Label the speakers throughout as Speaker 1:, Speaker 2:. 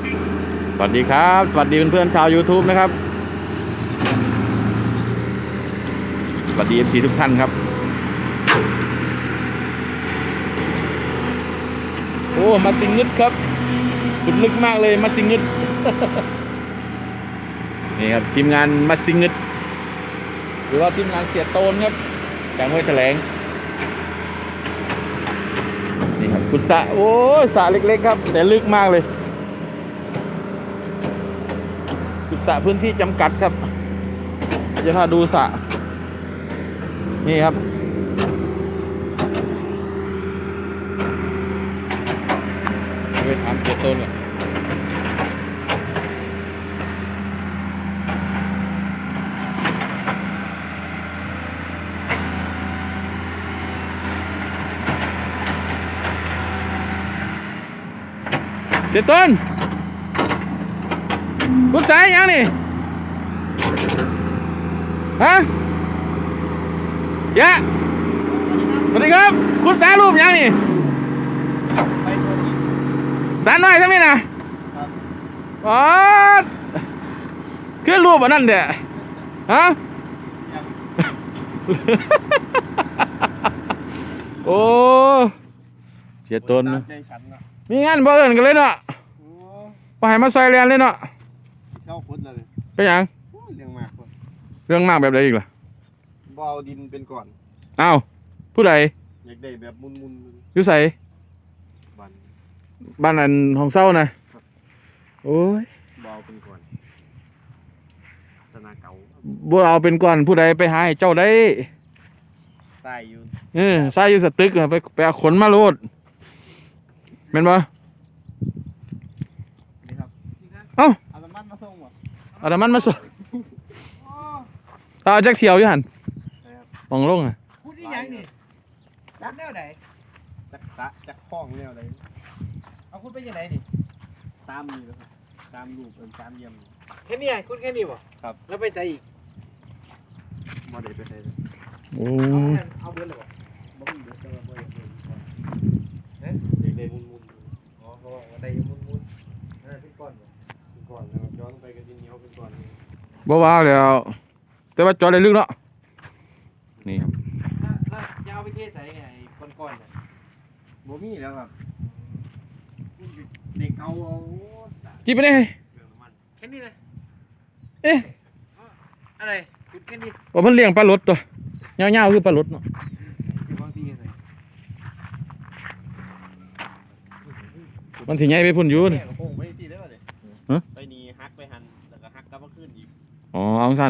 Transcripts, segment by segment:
Speaker 1: สวัสดีครับสวัสดีเพื่อนๆชาว YouTube นะครับสวัสดี FC ทุกท่านครับโอ้มาสิงงึดครับขุดลึกมากเลยมาสิงงึด นี่ครับทีมงานมาสิงงึดหรือว่าทีมงานเสียโตนครับจากห้วยแถลงนี่ครับขุดสระโอ้สระเล็กๆครับแต่ลึกมากเลยขุดสระพื้นที่จำกัดครับจะพาดูสระนี่ครับไปถามเสียโตนก่อนเสียต้นกุศลยังนี่ฮะยะสวัสดีครับกุศลรูปยังนี่สารน้อยใช่ไหมนะอ๋อคือรูปอันนั้นเด้อฮะ โอ้เสียต้นนะมีงานบ่เอิ้นกันเลยเนาะไปให้มาใส่แลนเลยเนาะ
Speaker 2: เจ้าพุดเลย
Speaker 1: เป็นหยัง
Speaker 2: เรื่องมากคน
Speaker 1: เรื่องมากแบบใดอีกล่ะ
Speaker 2: บ่เอาดินเป็นก่อน
Speaker 1: อ้าวผู้ใด
Speaker 2: อยากได้แบบมุน
Speaker 1: อยู่ไส
Speaker 2: บ้าน
Speaker 1: บ้านอันของเศร้านะโอ้ย
Speaker 2: บ่เอาเป็นก่อนสนาเก่า
Speaker 1: บ่เอาเป็นก่อนผู้ใดไปหาให้เจ้าได้
Speaker 2: ใส่อยู่
Speaker 1: ใส่อยู่สตึกไปเอาขนมาโลดแม่นบ่
Speaker 2: นี่ครับ
Speaker 1: เอ้า
Speaker 2: เอาน้ำมันมาส่งบ่
Speaker 1: เอาน้ำมันมาส่งเอาจักเสียวอยู่หั่นมองลงอ่ะ
Speaker 2: พูดอีหยังนี่จักแนวไหนจักข้องแนวไหนเอาคุณไปยังไงนี่ตามนี่ครับตามรูปตามเยี่ยมแค่นี้คุณแค่นี้บ่ครับแล้วไปใส่อีกบ่ได้ไปใส่เลย
Speaker 1: โอ้
Speaker 2: เอาเบิดเลยบ่มีเบิดแต่ว่าบ่ได้เบิดเอ๊ะเด็กๆมุนๆอ๋อเขาบอกว่าได้มุนๆเป็นก้อนบ่เป็นก้อนแล้วย้อนไปกับดินเหนียวเป็นก้อน
Speaker 1: บ่ว่าแล้วแต่ว่าจอดได้ลึกเนาะนี่ครับ
Speaker 2: แล้วจะเอาไปเทใส่ไงก้อนๆเนี่ยบ่มีแล้วครับเด็กเอา
Speaker 1: กินไปได้
Speaker 2: แค่นี้นะ
Speaker 1: เอ๊ะ
Speaker 2: อะไรคุณแค่นี้
Speaker 1: ว่าเพิ่นเลี้ยงปลาลดตัวเงาๆคือปลาลดเนาะมันสิใหญ่ไปพุ่นอยู่นี่
Speaker 2: ไปนี่ฮักไปหันแล้วก็ฮักกลับมาขึ้นอีก
Speaker 1: อ๋อเอาสั้น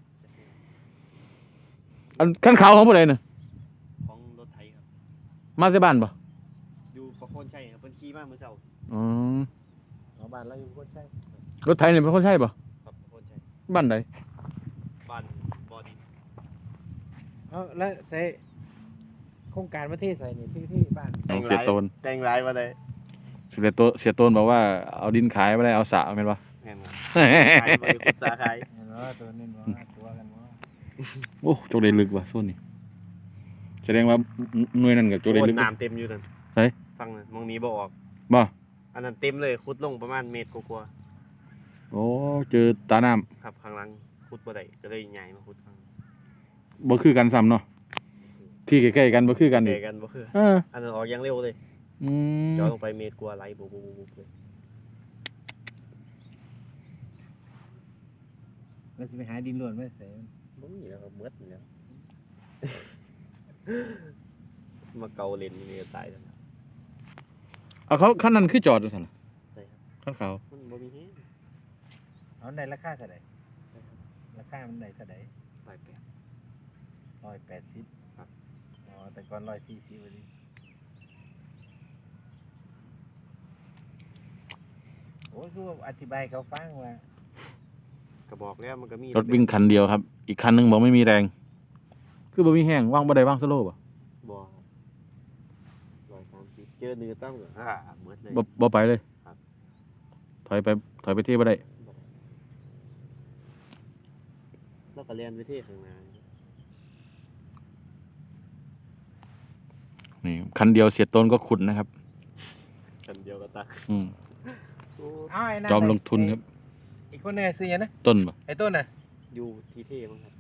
Speaker 1: อันขั้นเขาของผู้ใดน่ะ
Speaker 2: ของรถไถครับ
Speaker 1: มาที่บ้านป่ะ
Speaker 2: อยู่ประโคนชัยครับเพิ่นขี่มาเมื่อเช้า
Speaker 1: อ๋
Speaker 2: อบ้านเราอยู่ประโคนชัย
Speaker 1: รถไถนี่เป็นคนใช่ป่ะ
Speaker 2: ครับประโคนชัย
Speaker 1: บ้านใด
Speaker 2: บ้านบ่อดินแล้วใส่โครงการประเทศใส่นี่ที่บ้าน
Speaker 1: เสียโตน
Speaker 2: แต่งหลายมาได้
Speaker 1: เสียโตนบอกว่าเอาดินขายไม่ได้เอาสระแม่นป่ะ
Speaker 2: แม่นขายไปกุศลขายเนาะตัวนี้เนาะตัวกันเนาะ
Speaker 1: โอ้โจกได้ลึกว่ะโซนนี้แสดงว่าหน่วยนั้นกับโจกได้ลึก
Speaker 2: น้ำเต็มอยู่นั่น
Speaker 1: ใช่
Speaker 2: ฟังนะมองนี้บ่ออก
Speaker 1: บ่
Speaker 2: อันนั้นเต็มเลยขุดลงประมาณเมตรกว่า
Speaker 1: โอ้เจอตาน้
Speaker 2: ำครับข้างหลังขุดบ่ได้ก็เลยใหญ่มาขุดข้าง
Speaker 1: บ่คือกันซ้ำเนาะที่ใกล้ๆกันบ่คือกัน
Speaker 2: อีกกันบ่คืออันนั้นออกอย่างเร็วเลยจอดลงไปเมตรกว่าไหลบุบเลยแล้วจะไปหาดินล้วนไหมเสนบ่มีแล้วก็เมืดแล้วมาเกาเลนนี่ก็ตายแล้ว
Speaker 1: เอาเขาขั้นนั้นคือจอดดูสินะ
Speaker 2: ใช่
Speaker 1: ครับขั้นเขา
Speaker 2: มันบ่มีที่เอาในราคาเท่าไหร่ราคามันได้เท่าไหร่180ครับอ๋อแต่ก่อน140วันนี้โอ้คืออธิบายเขาฟังว่าก็บอกแล้วมันก็มี
Speaker 1: รถวิ่งคันเดียวครับอีกคันนึงบอกไม่มีแรงคือบ่มีแห้งว่างบ่ได้ว่างสโลว์ป่ะ
Speaker 2: บ่130เจอเนื้อตั้งก็หมดเลย
Speaker 1: บ่ไปเลยถอยไปที่บ่ได้
Speaker 2: แล้วก็เรียนไปที่ข้างหน้า
Speaker 1: นี่คันเดียวเสียต้นก็ขุดนะครับ
Speaker 2: คันเดียวก็ตักเอาไอ้นั่น
Speaker 1: จอมลงทุนครับ
Speaker 2: อีกคนเนี่ยซื้อยังนะ
Speaker 1: ต้นบ่
Speaker 2: ไอ้ต้นน่ะ
Speaker 3: อยู่ที่เท่มั้งครับ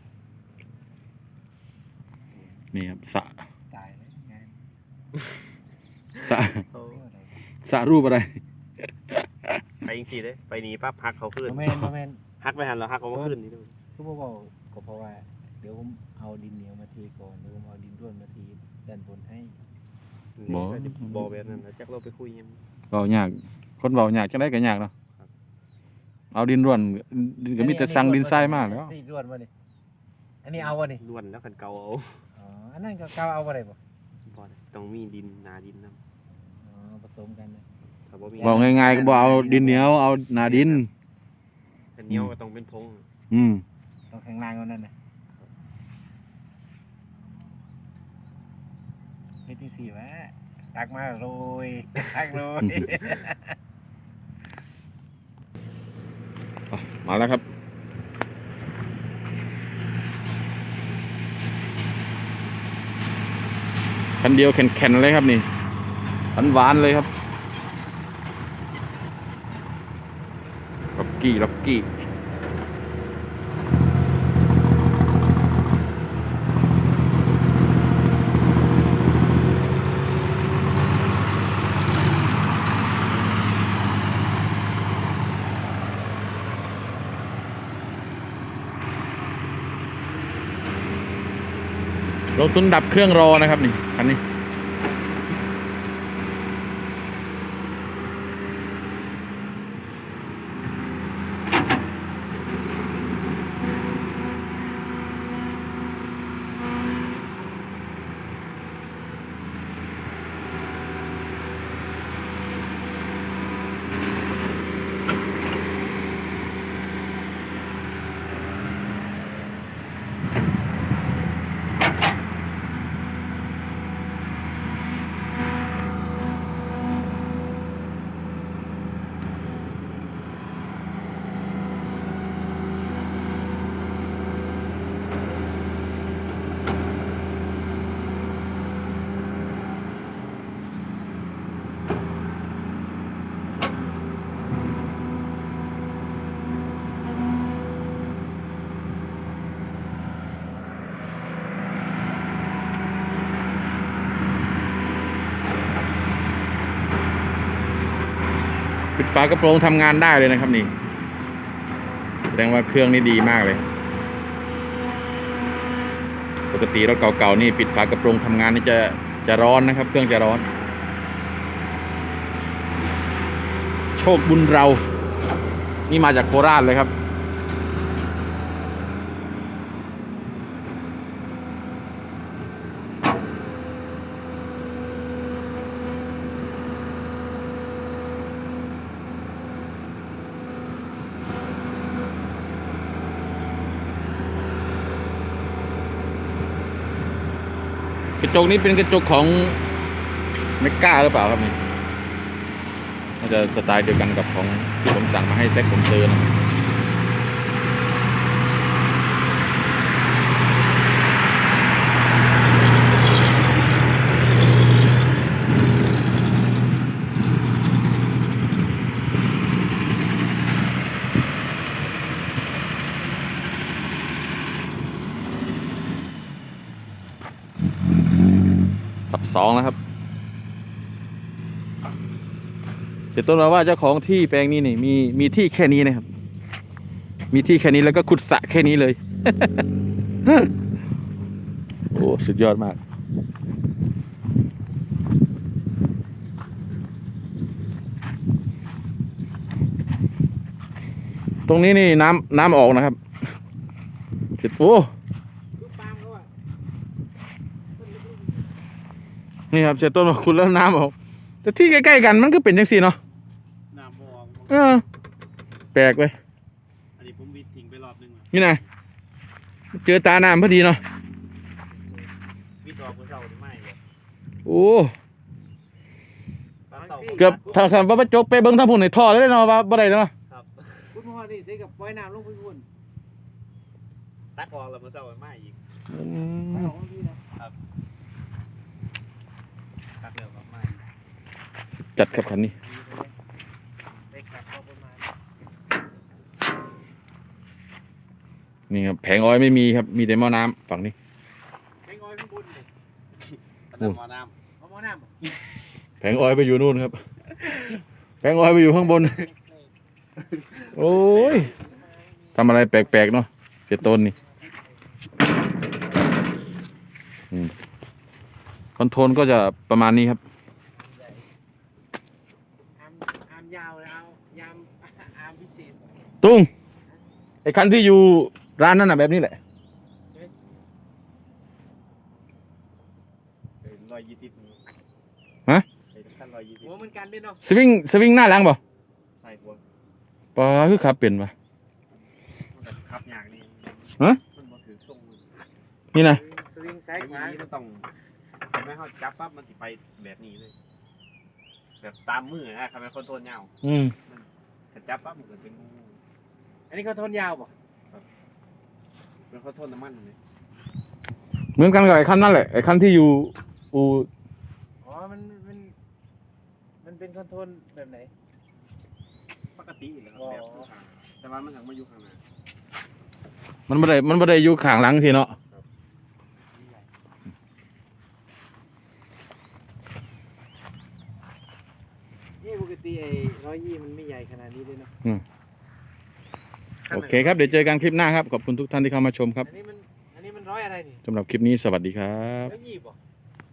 Speaker 1: นี่ครับสระ
Speaker 2: ตายเลยงาน
Speaker 1: สระสระรูปอะไร
Speaker 3: ไปยิงทีเลยไปหนีปั๊บหักเขาขึ้น
Speaker 2: โมเมนต์โมเมนต์
Speaker 3: หักไปหันแล้วหักเขามาขึ้นนี่ด้วย
Speaker 2: คือบอกก็เพราะว่าเดี๋ยวผมเอาดินเหนียวมาเทก่อนเดี๋ยวผมเอาดินร่วนมาเทด้านบนให้
Speaker 3: บอแบบนั้นนะจักเราไปคุยยัง
Speaker 1: เบายากคนเบายากจังได้ก็ยากเนาะเอาดินร่วนดินก็มีแต่สั่งดินทรายมากแล้ว
Speaker 2: ดินร่วนมาดิอันนี้เอาวะนี่
Speaker 3: ล้วนแล้วกันเกาเอา
Speaker 2: อ๋ออันนั้นก็เกาเอาอะไรบ่
Speaker 3: บอต้องมีดินหนาดินนะ
Speaker 2: อ๋อผสมกันนะ
Speaker 3: ถ้าบ่มี
Speaker 1: บอกง่ายๆก็บอกเอาดินเหนียวเอาหนาดิน
Speaker 3: แต่เหนียวก็ต้องเป็นพง
Speaker 1: อืม
Speaker 2: ต้องแข็งแรงกว่านั้นนะเฮ็ดที่สี่วะตักมาโรยตักโรย
Speaker 1: มาแล้วครับคันเดียวแข็งๆเลยครับนี่หวานๆเลยครับล็อกกี้ลงทุนดับเครื่องรอนะครับนี่คันนี้ปิดฝากระโปรงทำงานได้เลยนะครับนี่แสดงว่าเครื่องนี่ดีมากเลยปกติรถเก่าๆนี่ปิดฝากระโปรงทำงานนี่จะร้อนนะครับเครื่องจะร้อนโชคบุญเรานี่มาจากโคราชเลยครับกระจกนี้เป็นกระจกของเมกก้าหรือเปล่าครับนี่น่าจะสไตล์เดียวกันกับของที่ผมสั่งมาให้แซคผมเจอนะสับสองแล้วครับเดี๋ยวต้นมาว่าเจ้าของที่แปลงนี้นี่มีที่แค่นี้นะครับมีที่แค่นี้แล้วก็ขุดสระแค่นี้เลย โอ้สุดยอดมากตรงนี้นี่น้ำออกนะครับโอ้นี่ครับเสียต้นมาขุดแล้วน้ำออกแต่ที่ใกล้ๆกันมันก็เป็นจังซี่เนาะ
Speaker 3: น้ำบอง
Speaker 1: แปลกไป
Speaker 3: อันนี้ผมวิดทิ้งไปรอบนึงแล้ว
Speaker 1: นี่นะเจอตาน้ำพอดีเนาะ
Speaker 3: วิดออกเมื่อเช้าหรือไม่เลย
Speaker 1: โอ้
Speaker 3: ปลาเต่า
Speaker 1: เกือบถ้าคำว่าจกไปเบิ้งทั้งพุ่นในท่อเลยเนาะว่าบ่ได้เนาะ
Speaker 3: ครับ
Speaker 2: คุณพ่อนี่ใช้กับปล่อยน้ำลงพื้น
Speaker 3: ตักออกแล้วเมื่อเช้าไม่อีก
Speaker 2: ไม่ออกมาพี่นะ
Speaker 3: ตักเร็วกับไม่
Speaker 1: จัดครับคันนี้นี่ครับแผงออยล์ไม่มีครับมีแต่หม้อน้ำฝั่งนี้
Speaker 2: แม่งออยข้างบนเลย
Speaker 3: น้ำหมอน้
Speaker 2: เอาหม้อน้ำบ่
Speaker 1: แผงออยล์ไปอยู่นู่นครับแผงออยล์ไปอยู่ข้างบน โอ้ยทำอะไรแปลกๆเนาะเสียต้นนี่คอนโทรลก็จะประมาณนี้ครับ
Speaker 2: อามยาวเลยเอายามอามพิเศษ
Speaker 1: ตุ้งไอ้คันที่อยู่ร้านนั่นน่ะแบบนี้แหละ
Speaker 3: ำ120นี่
Speaker 1: ฮะ
Speaker 3: ไอ้ขั้น120
Speaker 2: หัวเหมือนกันด้วยเนาะ
Speaker 1: สวิงหน้าหลังเปล่า
Speaker 3: ใส่หัว
Speaker 1: ปลาคือขับเปลี่ยนปะ
Speaker 3: มันแบบขับอย่างนี้
Speaker 1: ฮะ
Speaker 3: มันบ่ถือทรงมัน
Speaker 1: นี่นะ
Speaker 2: สวิงซ้ายขวา
Speaker 3: ไอ้นี่มันต้องทำให้เขาจับปั๊บมันสิไปแบบนี้เลย แบบตามมือนะทำให้คนโทนยาว
Speaker 1: อืม
Speaker 3: ถ้าจับปั๊บมันก็เป็นงู
Speaker 2: อันนี้เขาทนยาวป่ะ
Speaker 3: เป็นคนโทนน้ำมันเลย
Speaker 1: เหมือนกันกับไอ้คันนั่นแหละไอ้คันที่อยู่อู
Speaker 2: อ๋อมันเป็นคอนโทรลแบบไหน
Speaker 3: ปกติอยู่แล้วครับแบบข้างๆแต่ว่ามันถึงมาอยู่ข้างหน้า
Speaker 1: มันไม่ได้อยู่ข้างหลังสิเนาะ
Speaker 2: นี่ปกติไอ้120มันไม่ใหญ่ขนาดนี้ด้วยเนาะ
Speaker 1: โอเคครับเดี๋ยวเจอกันคลิปหน้าครับขอบคุณทุกท่านที่เข้ามาชมครับ
Speaker 2: อันนี้มันร้อยอะไรนี่
Speaker 1: สำหรับคลิปนี้สวัสดีครับ
Speaker 2: 120ป่ะ